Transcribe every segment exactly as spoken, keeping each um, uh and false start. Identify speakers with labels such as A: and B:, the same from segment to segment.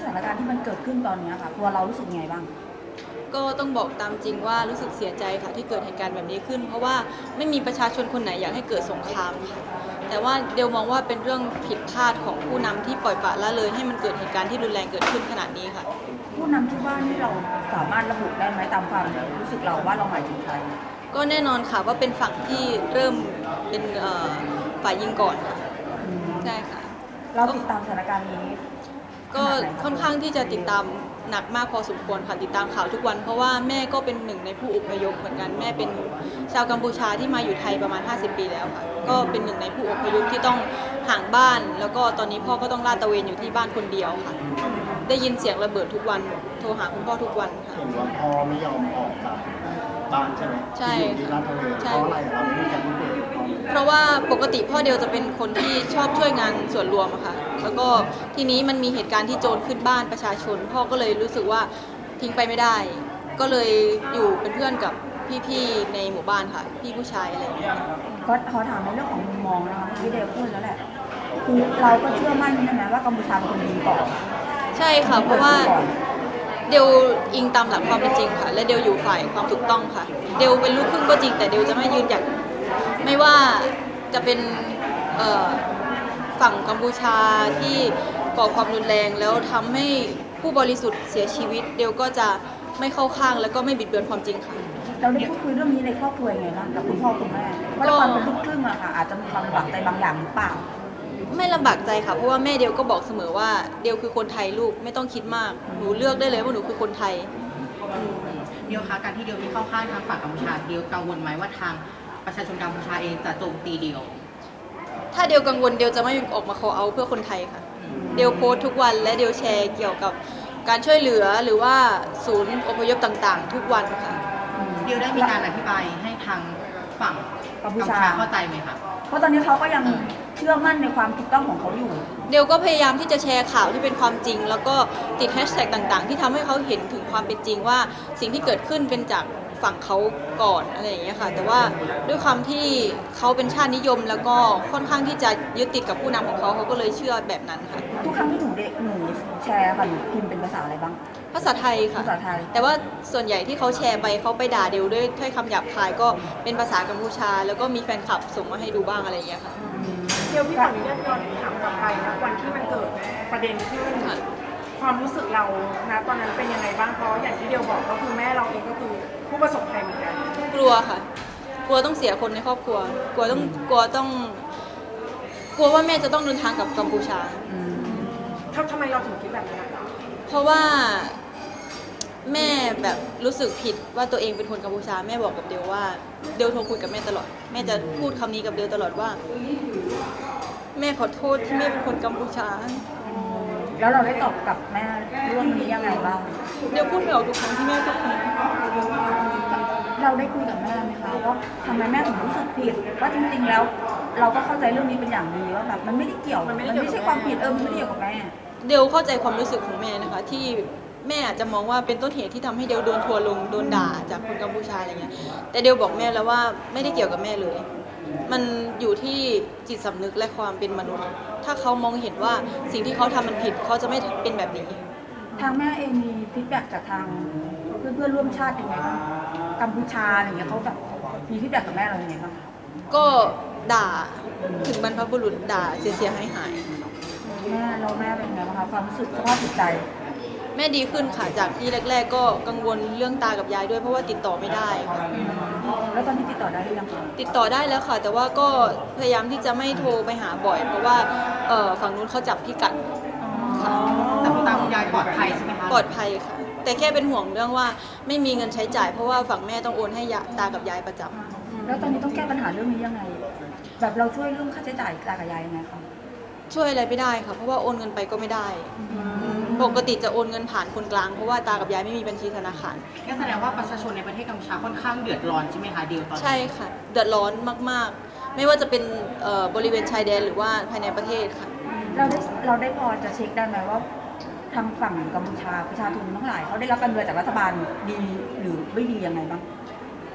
A: ถานการณ์ที่มันเกิดขึ้นตอนนี้ค่ะตัวเรารู้สึกไงบ้าง
B: ก็ต้องบอกตามจริงว่ารู้สึกเสียใจค่ะที่เกิดเหตุการณ์แบบนี้ขึ้นเพราะว่าไม่มีประชาชนคนไหนอยากให้เกิดสงครามค่ะแต่ว่าเดลมองว่าเป็นเรื่องผิดพลาดของผู้นำที่ปล่อยปละละเลยให้มันเกิดเหตุการณ์ที่รุนแรงเกิดขึ้นขนาดนี้ค่ะ
A: ผู้นำที่ว่านี่เราสามารถระบุได้ไหมตามความรู้สึกเราว่าเราหมายถึงใคร
B: ก็แน่นอนค่ะว่าเป็นฝั่งที่เริ่มเป็นฝ่ายยิงก่อนค่ะใช่ค่ะ
A: เราติดตามสถานการณ์นี้
B: ก็ค่อนข้างที่จะติดตามหนักมากพอสมควรค่ะติดตามข่าวทุกวันเพราะว่าแม่ก็เป็นหนึ่งในผู้อพยพเหมือนกันแม่เป็นชาวกัมพูชาที่มาอยู่ไทยประมาณห้าสิบปีแล้วค่ะก็เป็นหนึ่งในผู้อพยพที่ต้องห่างบ้านแล้วก็ตอนนี้พ่อก็ต้องลาดตระเวนอยู่ที่บ้านคนเดียวค่ะได้ยินเสียงระเบิดทุกวันโทรหาคุณพ่อทุกวันค่ะ
C: เห็นว่าพ่อไม่ยอมออกจากบ้านใช่ไหม
B: ใช่
C: อยู่ที่ลาดตระเวนเพราะอะไรเราไม่มีการรู้เปิด
B: เพราะว่าปกติพ่อเดียวจะเป็นคนที่ชอบช่วยงานส่วนรวมอะค่ะแล้วก็ทีนี้มันมีเหตุการณ์ที่โจรขึ้นบ้านประชาชนพ่อก็เลยรู้สึกว่าทิ้งไปไม่ได้ ก็เลยอยู่เป็นเพื่อนกับพี่ๆในหมู่บ้านค่ะพี่ผู้ชายอะไรอย่างเงี้ย
A: ก็ขอถามในเรื่องของมุมมองนะคะที่เดลพูดแล้วแหละคือเราก็เชื่อมั่นใช่ไหมว่ากัมพูชาเป็นคนดีก่อน
B: ใช่ค่ะเพราะว่าเดลอิงตามหลักความเป็นจริงค่ะและเดลอยู่ฝ่ายความถูกต้องค่ะเดลเป็นลูกครึ่งก็จริงแต่เดลจะไม่ยืนหยัดไม่ว่าจะเป็นฝั่งกัมพูชาที่ก่อความรุนแรงแล้วทำให้ผู้บริสุทธิ์เสียชีวิตเดลก็จะไม่เข้าข้างแล้วก็ไม่บิดเบือนความจริงค่ะ
A: เราได้พูดคุยเรื่องนี้ในครอบครัวยังไงบ้างกับคุณพ่อคุณแม่เพราะเราเป็นลูกครึ่งอะค่ะอาจจะมีความลำบากใจบางอย่างหรือเปล่า
B: ไม่ลำบากใจค่ะเพราะว่าแม่เดลก็บอกเสมอว่าเดลคือคนไทยลูกไม่ต้องคิดมากหนูเลือกได้เลยว่าหนูคือคนไทย
D: เดียวคะการที่เดียวไม่เข้าข้างทางฝั่งกัมพูชาเดียวกังวลไหมว่าทางประชาชนกัมพูชาเองจะโจมตีเดียว
B: ถ้าเดลกังวลเดลจะไม่ออกมา call out เพื่อคนไทยค่ะเดลโพสทุกวันและเดลแชร์เกี่ยวกับการช่วยเหลือหรือว่าศูนย์อพยพต่างๆทุกวันค่ะ
D: เดียวได้มีการอธิบายให้ทางฝั่งกัมพูชาเข้าใจไหมคะ
A: เพราะตอนนี้เขาก็ยังเชื่อมั่นในความถูกต้องของเขาอยู่
B: เดลก็พยายามที่จะแชร์ข่าวที่เป็นความจริงแล้วก็ติดแฮชแท็กต่างๆที่ทำให้เขาเห็นถึงความเป็นจริงว่าสิ่งที่เกิดขึ้นเป็นจากฝั่งเขาก่อนอะไรอย่างเงี้ยค่ะแต่ว่าด้วยความที่เขาเป็นชาตินิยมแล้วก็ค่อนข้างที่จะยึดติดกับผู้นำของเขาเขาก็เลยเชื่อแบบนั้นค่ะ
A: ทุกครั้งที่หนูเด็กหนูแชร์ค่ะหนูพิมพ์เป็นภาษาอะไรบ้าง
B: ภาษาไทยค่ะ
A: ภาษาไทย
B: แต่ว่าส่วนใหญ่ที่เขาแชร์ไปเขาไปด่าเดลด้วยถ้อยคำหยาบคายก็เป็นภาษากัมพูชาแล้วก็มีแฟนคลับส่งมาให้ดูบ้างอะไรอย่างเงี้ยค่ะ
E: เดี๋ยวพี่ขออนุญาตย้อนถามกลับไปนะวันที่มันเกิดประเด็นขึ้นความรู้สึกเรานะตอนนั้นเป็นยังไงบ้างเพราะอย่างที่เดียวบอกก็คือแม่เราเองก็คือผู้ประสบภัยเหมือนกัน
B: กลัวค่ะกลัวต้องเสียคนในครอบครัวกลัวต้องกลัวต้องกลัวว่าแม่จะต้องเดินทางกับกัมพูชา
E: ทำไมเราถึงคิดแบบนั้น
B: เพราะว่าแม่แบบรู้สึกผิดว่าตัวเองเป็นคนกัมพูชาแม่บอกกับเดลว่าเดลโทรคุยกับแม่ตลอดแม่จะพูดคำนี้กับเดลตลอดว่าแม่ขอโทษที่แม่เป็นคนกัมพูชา
A: แล้วเราได้ตอบกับแม่เรื่องนี้ยังไงบ้าง
B: เดลพูดไม่ออกทุกครั้งที่แม่พูดคำนี้
A: เราได้คุยกับแม่ไหมคะว่าทำไมแม่ถึงรู้สึกผิดว่าจริงๆแล้วเราก็เข้าใจเรื่องนี้เป็นอย่างดีว่าแบบมันไม่ได้เกี่ยวมันไม่ใช่ความผิดเออมันไม่ได้เกี่ยวกับแม่
B: เดลเข้าใจความรู้สึกของแม่นะคะที่แม่อาจจะมองว่าเป็นต้นเหตุที่ทำให้เดลโดนทัวร์ลงโดนด่าจากคนกัมพูชาอะไรเงี้ยแต่เดลบอกแม่แล้วว่าไม่ได้เกี่ยวกับแม่เลยมันอยู่ที่จิตสำนึกและความเป็นมนุษย์ถ้าเขามองเห็นว่าสิ่งที่เขาทำมันผิดเขาจะไม่เป็นแบบนี้
A: ทางแม่เองมีฟีดแบ็กจากทางเพื่อนเพื่อนร่วมชาติยังไงบ้างกัมพูชาอะไรเงี้ยเขาแบบมีฟีดแบ็กกับแม่เรายังไงบ้าง
B: ก็ด่าถึงบรรพบุรุษด่าเสียหายหาย
A: แม่เราแม่เป็นไงบ้างคะความรู้สึกสภาพจิตใจ
B: แม่ดีขึ้นค่ะจากที่แรกๆก็กังวลเรื่องตากับยายด้วยเพราะว่าติดต่อไม่ได้ค่ะ
A: แล้วตอนนี้ติดต่อได้หรือยัง
B: ติดต่อได้แล้วค่ะแต่ว่าก็พยายามที่จะไม่โทรไปหาบ่อยเพราะว่าฝั่งนู้นเขาจับพิกัด
D: ค่ะแต่คุณตาคุณยายปลอดภัยใช่ไหมคะ
B: ปลอดภัยค่ะแต่แค่เป็นห่วงเรื่องว่าไม่มีเงินใช้จ่ายเพราะว่าฝั่งแม่ต้องโอนให้ตากับยายประจำ
A: แล้วตอนนี้ต้องแก้ปัญหาเรื่องนี้ยังไงแบบเราช่วยเรื่องค่าใช้จ่ายตากับยายยังไงคะ
B: ช่วยอะไรไม่ได้ค่ะเพราะว่าโอนเงินไปก็ไม่ได้ปกติจะโอนเงินผ่านคนกลางเพราะว่าตากับยายไม่มีบัญชีธนาคาร
D: ก็แสดงว่าประชาชนในประเทศกัมพูชาค่อนข้างเดือดร้อนใช่ไหมคะเดียวตอนนี้
B: ใช่ค่ะเดือดร้อนมากๆไม่ว่าจะเป็นบริเวณชายแดนหรือว่าภายในประเทศค่ะ
A: เราได้เราได้พอจะเช็คได้ไหมว่าทางฝั่งกัมพูชาประชาชนทั้งหลายเขาได้รับการดูแลจากรัฐบาลดีหรือไม่ดียังไงบ้าง
B: อ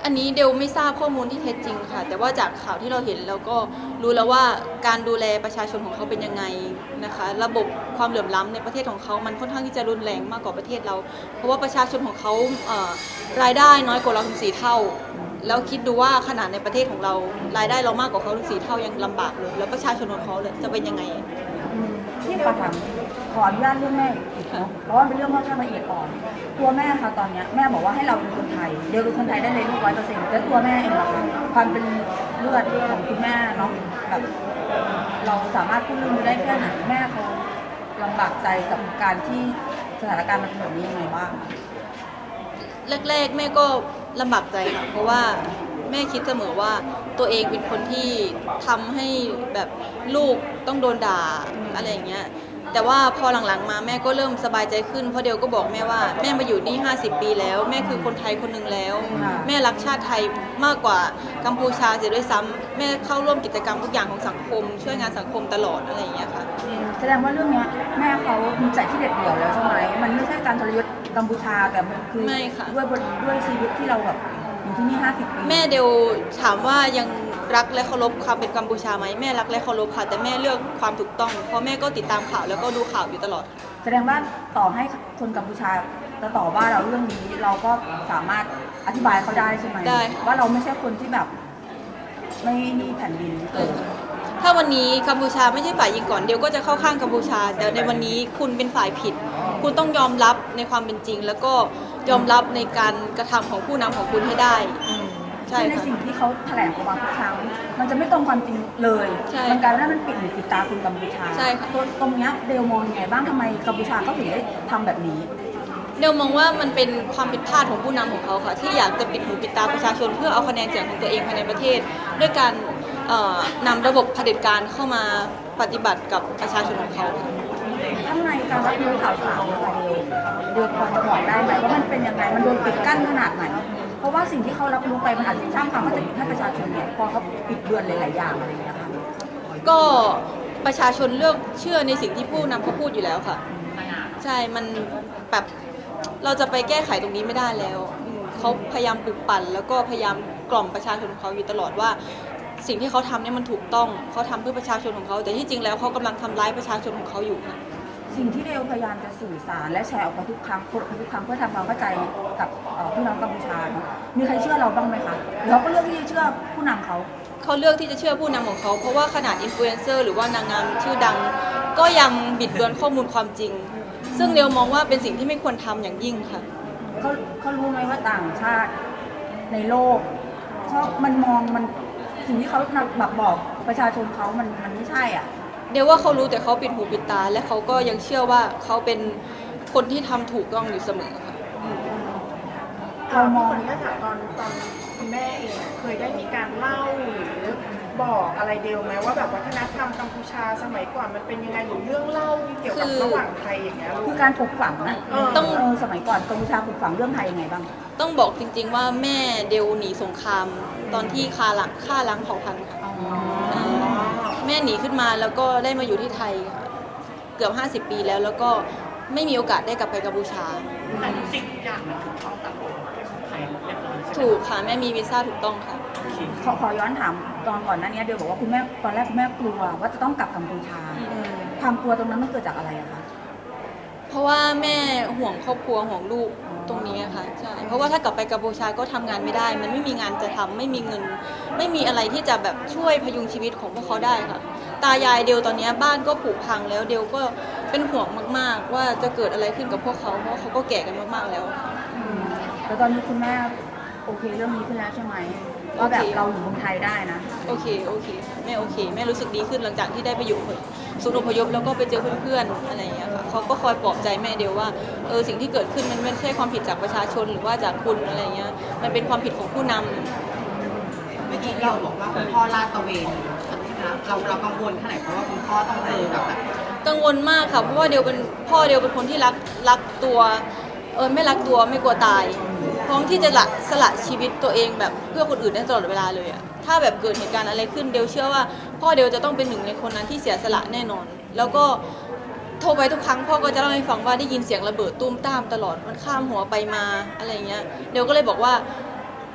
B: อันนี้เดลไม่ทราบข้อมูลที่เท็จจริงค่ะ แต่ว่าจากข่าวที่เราเห็นเราก็รู้แล้วว่าการดูแลประชาชนของเขาเป็นยังไงนะคะ ระบบความเหลื่อมล้ำในประเทศของเขามันค่อนข้างที่จะรุนแรงมากกว่าประเทศเรา เพราะว่าประชาชนของเขาเอ่อรายได้น้อยกว่าเราถึงสี่เท่า แล้วคิดดูว่าขนาดในประเทศของเรารายได้เรามากกว่าเขาถึงสี่เท่ายังลำบากเลยแล้วประชาชนของเขาจะเป็นยังไง
A: อืมที่ขอถามขออนุญาตเรื่องแม่อีกเนาะเพราะว่าเป็นเรื่องค่อนข้างละเอียดอ่อนตัวแม่ค่ะตอนเนี้ยแม่บอกว่าให้เราเป็นคนไทยเดี๋ยวเป็นคนไทยได้เลยร้อยเปอร์เซ็นต์แล้วตัวแม่เองล่ะคะความเป็นเลือดของคุณแม่เนาะแบบเราสามารถพูดเรื่องนี้ได้แค่ไหนแม่เขาลำบากใจกับการที่สถานการณ์มันเป็นแบบนี้ยังไงบ้าง
B: แรกๆแม่ก็ลำบากใจค่ะเพราะว่าแม่คิดเสมอว่าตัวเองเป็นคนที่ทำให้แบบลูกต้องโดนด่าอะไรอย่างเงี้ยแต่ว่าพอหลังๆมาแม่ก็เริ่มสบายใจขึ้นเพราะเดียวก็บอกแม่ว่าแม่มาอยู่นี่ห้าสิบปีแล้วแม่คือคนไทยคนหนึ่งแล้ว
A: ค่ะ
B: แม่รักชาติไทยมากกว่ากัมพูชาเสียด้วยซ้ำแม่เข้าร่วมกิจกรรมทุกอย่างของสังคม ช่วยงานสังคมตลอดอะไรอย่างเงี้ยค่ะ
A: แสดงว่าเรื่องเนี้ยแม่เขามีใจที่เด็ดเดี่ยวแล้วใช่ไหมมันไม่ใช่การทรยศกัมพูชาแต่มันคือ
B: ไม่ค่ะ
A: ด้วยบทด้วยชีวิตที่เราแบบอยู่ที่นี่ห้าสิบปี
B: แม่เดลถามว่ายังรักและเคารพความเป็นกัมพูชาไหมแม่รักและเคารพค่ะแต่แม่เลือกความถูกต้องเพราะแม่ก็ติดตามข่าวแล้วก็ดูข่าวอยู่ตลอด
A: แสดงว่าต่อให้คนกัมพูชาจะต่อว่าเราเรื่องนี้เราก็สามารถอธิบายเขาได้ใช่ไหม
B: ได้ค่ะ
A: ว่าเราไม่ใช่คนที่แบบไม่มีแผ่นดินเกิด
B: ถ้าวันนี้กัมพูชาไม่ใช่ฝ่ายยิงก่อนเดียวก็จะเข้าข้างกัมพูชา แต่ในวันนี้คุณเป็นฝ่ายผิด คุณต้องยอมรับในความเป็นจริง แล้วก็ยอมรับในการกระทำของผู้นำของคุณให้ได้ ใช่
A: คือใน
B: ค่ะ
A: สิ่งที่เขาแถลงออกมาทุกครั้งมันจะไม่ตรงความจริงเลย
B: ใช่
A: มันกลายเป็นว่ามันปิดหูปิดตาคนกัมพูชา
B: ใช่ค่ะ
A: ตรงตรงเนี้ยเดลมองยังไงบ้างทำไมกัมพูชาเขาถึงได้ทำแบบนี้
B: เดลมองว่ามันเป็นความผิดพลาดของผู้นำของเขาค่ะ ที่อยากจะปิดหูปิดตาประชาชนเพื่อเอาคะแนนเสียงของตัวเองภายในประเทศ ด้วยการเอ่อนำระบบเผด็จการเข้ามาปฏิบัติกับประชาชนของเขาค่ะ
A: ข้างในการรับรู้ข่าวสารนะคะเดลเดลพอจะบอกได้ไหมว่ามันเป็นยังไงมันโดนปิดกั้นขนาดไหนเพราะว่าสิ่งที่เขารับรู้ไปมันอาจจะสร้างความเข้าใจผิดให้ประชาชนเนี่ยพอเขาปิดเบือนหลายๆอย่างอะไรอย่างเงี้ยค่ะ
B: ก็ประชาชนเลือกเชื่อในสิ่งที่ผู้นำเขาพูดอยู่แล้วค่ะ ใช่ มันแบบเราจะไปแก้ไขตรงนี้ไม่ได้แล้วอืมเขาพยายามปลุกปั่น แล้วก็พยายามกล่อมประชาชนของเขาอยู่ตลอดว่า สิ่งที่เขาทำเนี่ยมันถูกต้องเขาทำเพื่อประชาชนของเขา แต่ที่จริงแล้วเขากำลังทำร้ายประชาชนของเขาอยู่ค่ะ
A: สิ่งที่เดลพยายามจะสื่อสารและแชร์ออกไปทุกครั้งพูดออกไปทุกครั้งเพื่อทำความเข้าใจกับเอ่อพี่น้องกัมพูชาเนาะมีใครเชื่อเราบ้างไหมคะหรือเขาก็เลือกที่จะเชื่อผู้นำเขา
B: เขาเลือกที่จะเชื่อผู้นำของเขา เพราะว่าขนาดอินฟลูเอนเซอร์หรือว่านางงามชื่อดัง ก็ยังบิดเบือนข้อมูลความจริง ซึ่งเดลมองว่าเป็นสิ่งที่ไม่ควรทำอย่างยิ่งค่ะ
A: เขาเขารู้ไหมว่าต่างชาติในโลกเขามันมองมันสิ่งที่เขานำแบบบอกประชาชนเขามันมันไม่ใช่อ่ะ
B: เดี๋ยวว่าเขารู้แต่เขาปิดหูปิดตา และเขาก็ยังเชื่อว่าเขาเป็นคนที่ทำถูกต้องอยู่เสมอค่ะ
A: เรามอง
E: คนนี้ถามตอนตอนคุณแม่เองอะเคยได้มีการเล่าหรือบอกอะไรเดลไหมว่าแบบวัฒนธรรมกัมพูชาสมัยก่อนมันเป็นยังไงหรือเรื่องเล่าเกี่ยวกับ
B: คือ
E: ระหว่างไทยอย่างเงี้ยลู
A: คื
E: ก
A: อการปลูกฝังนะ
E: เออ
B: ต้อง
A: เออสมัยก่อนกัมพูชาปลูกฝังเรื่องไทยยังไงบ้าง
B: ต้องบอกจริง ๆ ว่าแม่เดลหนีสงคราม ตอนที่คาหลังฆ่าล้างเผ่าพันธุ์ค่ะาแม่หนีขึ้นมาแล้วก็ได้มาอยู่ที่ไทยค่ะเกือบห้าสิบปีแล้ว แล้วก็ไม่มีโอกาสได้กลับไปกัมพูชา
D: แต่ทุกสิ่งทุกอย่างมันถูกต้องตามกฎหมายของไทยเรียบร้อยใช่ไหม
B: ถูกค่ะแม่มีวีซ่าถูกต้องค่ะ
A: ขอขอย้อนถามตอนก่อนหน้านี้เดลบอกว่าคุณแม่ตอนแรกคุณแม่กลัวว่าจะต้องกลับกัมพูชา
B: อืม
A: ความกลัวตรงนั้นมันเกิดจากอะไรอะคะ
B: เพราะว่าแม่ห่วงครอบครัวห่วงลูกตรงนี้อะค่ะใช่เพราะว่าถ้ากลับไปกัมพูชาก็ทำงานไม่ได้ มันไม่มีงานจะทำไม่มีเงิน ไม่มีอะไรที่จะแบบช่วยพยุงชีวิตของพวกเขาได้ค่ะ ตายายเดลตอนนี้บ้านก็ผุพังแล้วเดลก็เป็นห่วงมากๆ ว่าจะเกิดอะไรขึ้นกับพวกเขาเพราะว่าเขาก็แก่กันมากๆแล้วค่ะ
A: แล้วตอนนี้คุณแม่โอเคเรื่องนี้ขึ้นแล้วใช่ไหมว่าแบบ
B: โอเค
A: เราอยู่เมืองไทยได้นะ
B: โอเคโอเคแม่โอเคแม่รู้สึกดีขึ้นหลังจากที่ได้ไปอยู่ศูนย์อพยพแล้วก็ไปเจอเพื่อนๆอะไรอย่างเงี้ยค่ะเขาก็คอยปลอบใจแม่เดียวว่าเออสิ่งที่เกิดขึ้นมันไม่ใช่ความผิดจากประชาชนหรือว่าจากคุณอะไรเงี้ยมันเป็นความผิดของผู้นำ
D: เมื่อกี้เราบอกว่าคุณพ่อลาดตระเวนนะเราเรากังวลแค่ไหนเพราะว่าคุณพ่อต้องเจอกับแบบ
B: กังวลมากค่ะเพราะว่าเดียวเป็นพ่อเดียวเป็นคนที่รักรักตัวเออไม่รักตัวไม่กลัวตายพร้อมที่จะละสละชีวิตตัวเองแบบเพื่อคนอื่นได้ตลอดเวลาเลยอะถ้าแบบเกิดเหตุการณ์อะไรขึ้นเดียวเชื่อว่าพ่อเดียวจะต้องเป็นหนึ่งในคนนั้นที่เสียสละแน่นอน แล้วก็โทรไปทุกครั้งพ่อก็จะเล่าให้ฟังว่าได้ยินเสียงระเบิดตุ้มตามตลอดมันข้ามหัวไปมาอะไรเงี้ยเดียวก็เลยบอกว่า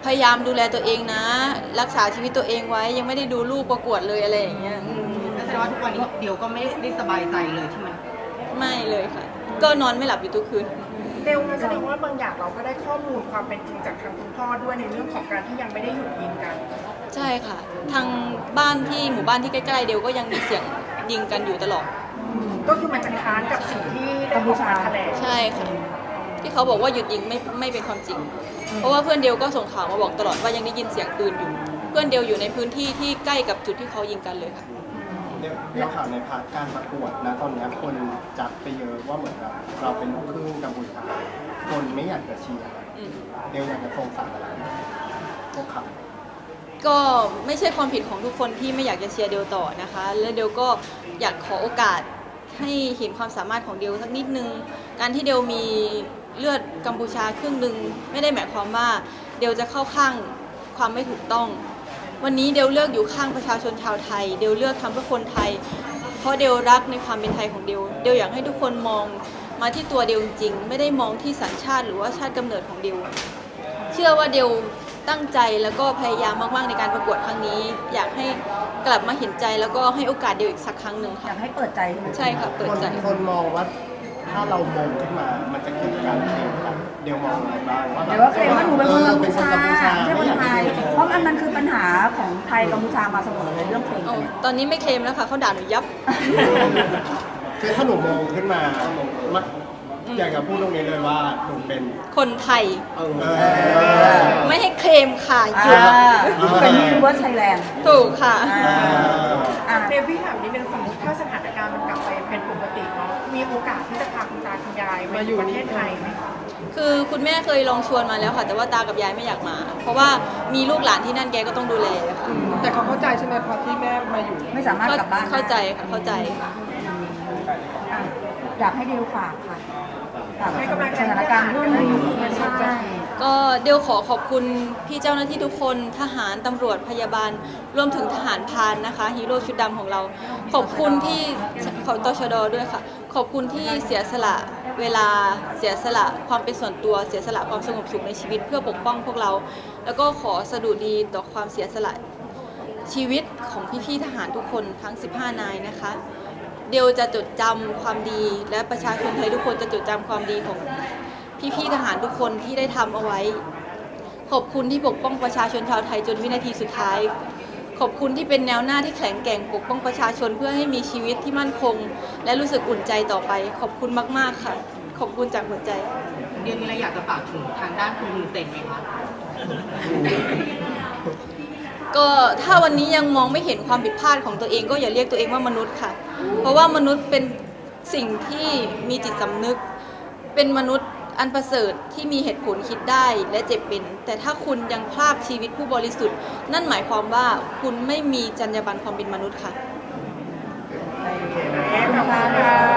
B: พยายามดูแลตัวเองนะ รักษาชีวิตตัวเองไว้ยังไม่ได้ดูลูกประกวดเลยอะไรอย่างเงี้ยอืม
D: นั่นแสดงว่าทุกวันนี้เดียวก็ไม่ได้สบายใจเลยที่มัน
B: ไม่เลยค่ะ ก็นอนไม่หลับอยู่ทุกคืน
E: เดลงั้นแสดงว่าบางอย่างเราก็ได้ข้อมูลความเป็นจริงจากทางคุณพ่อด้วยในเรื่องของการที่ยังไม่ได้หยุดยิงกัน
B: ใช่ค่ะ ทางบ้านที่หมู่บ้านที่ใกล้ๆเดียวก็ยังมีเสียงยิงกันอยู่ตลอด
E: ก็คือมันจะค้านกับสิ่งที่ได้ออกมาแถลง
B: ใช่ค่ะ ที่เขาบอกว่าหยุดยิงไม่ไม่เป็นความจริง เพราะว่าเพื่อนเดียวก็ส่งข่าวมาบอกตลอดว่ายังได้ยินเสียงปืนอยู่ เพื่อนเดียวอยู่ในพื้นที่ที่ใกล้กับจุดที่เขายิงกันเลยค่ะ
C: เดี๋ยวเดี๋ยวข่าวในพาร์ทการประกวดนะตอนนี้คนจัดไปเยอะว่าเหมือนแบบเราเป็นลูกครึ่งกัมพูชาคนไม่อยากจะเชียร์
B: อืม
C: เดี๋ยวอยากจะส่งสารอะไรพวกเขา
B: ก็ไม่ใช่ความผิดของทุกคนที่ไม่อยากจะเชียร์เดียวต่อนะคะ และเดียวก็อยากขอโอกาสให้เห็นความสามารถของเดียวสักนิดนึง การที่เดียวมีเลือดกัมพูชาครึ่งหนึ่งไม่ได้หมายความว่าเดียวจะเข้าข้างความไม่ถูกต้อง วันนี้เดียวเลือกอยู่ข้างประชาชนชาวไทย เดียวเลือกทำเพื่อคนไทย เพราะเดียวรักในความเป็นไทยของเดียว เดียวอยากให้ทุกคนมองมาที่ตัวเดียวจริงๆไม่ได้มองที่สัญชาติหรือว่าชาติกำเนิดของเดียว เชื่อว่าเดียวตั้งใจแล้วก็พยายามมากๆในการประกวดครั้งนี้ อยากให้กลับมาเห็นใจแล้วก็ให้โอกาสเดียวอีกสักครั้งหนึ่ง
A: อ
B: ค่ะ
A: ยากให้เปิดใจใช่ไหม
B: ใช่ค่ะ เปิดใจ
C: คนคนมองว่าถ้าเรามองขึ้นมา มันจะเกิดการเคลมกันเดี๋ยวมองอะไรบ้างว่า
A: เดี๋ยวว่าเคลมว่าหนูเป็นคนกัมพูชา
C: เออเป็นคนกัมพูชา
A: ไม่ใช่คนไทย เพราะมันมันคือปัญหาของไทยกัมพูชามาเสมอเลยเรื่องเพลงกันเนี่ย
B: ตอนนี้ไม่เคลมแล้วค่ะเขาด่าหนูยับ
C: คือถ้าหนูมองขึ้นมามันอยากจะพูดตรงนี้เลยว่าหนูเป็น
B: คนไทย
C: เออ
B: ไม่ให้เคลมค่ะห
A: อ่า
B: ยุด
A: เป็นยูนิเวอร์สไทยแลนด์
B: ถูกค่ะ
A: อ่า
E: เดวิดถามนิดนึงสมมติถ้าสถานการณ์มันกลับไปเป็นปกติเนาะมีโอกาสที่จะพาคุณตาคุณยายมาอยู่ประเทศไทยไหมคะ
B: คือคุณแม่เคยลองชวนมาแล้วค่ะ แต่ว่าตากับยายไม่อยากมา เพราะว่ามีลูกหลานที่นั่นแกก็ต้องดูแลค่ะ
F: แต่เขาเข้าใจใช่ไหมพอที่แม่มาอยู่
A: ไม่สามารถกลับบ้านได้
B: เข้าใจค่ะเข้าใจค่ะ
A: อ่ะอยากให้เดลฝากค่ะฝาก
E: ให้กำลังใจ
A: สถานการณ์เรื่องนี้ใช่
B: ก็เดี๋ยวขอขอบคุณพี่เจ้าหน้าที่ทุกคนทหารตำรวจพยาบาลรวมถึงทหารพรานนะคะฮีโร่ชุดดำของเรา ขอบคุณที่ขอตชดด้วยค่ะ ขอบคุณที่เสียสละเวลาเสียสละความเป็นส่วนตัวเสียสละความสงบสุขในชีวิตเพื่อปกป้องพวกเรา แล้วก็ขอสดุดีต่อความเสียสละชีวิตของพี่ๆทหารทุกคนทั้งสิบห้านายนะคะ เดียวจะจดจำความดีและประชาชนไทยทุกคนจะจดจำความดีของพี่ๆทหารทุกคนที่ได้ทำเอาไว้ ขอบคุณที่ปกป้องประชาชนชาวไทยจนวินาทีสุดท้าย ขอบคุณที่เป็นแนวหน้าที่แข็งแกร่งปกป้องประชาชนเพื่อให้มีชีวิตที่มั่นคง และรู้สึกอุ่นใจต่อไป ขอบคุณมากๆค่ะ ขอบคุณจากหัวใจ
D: เดียวมีอะไรอยากจะฝากถึงทางด้านคุณลุงเซนไหมคะ
B: ก็ถ้าวันนี้ยังมองไม่เห็นความผิดพลาดของตัวเองก็อย่าเรียกตัวเองว่ามนุษย์ค่ะ เพราะว่ามนุษย์เป็นสิ่งที่มีจิตสำนึก เป็นมนุษย์อันประเสริฐที่มีเหตุผลคิดได้และเจ็บเป็น แต่ถ้าคุณยังพลากชีวิตผู้บริสุทธิ์ นั่นหมายความว่าคุณไม่มีจรรยาบรรณความเป็นมนุษย์ค่ะ
E: ขอบคุณค่ะ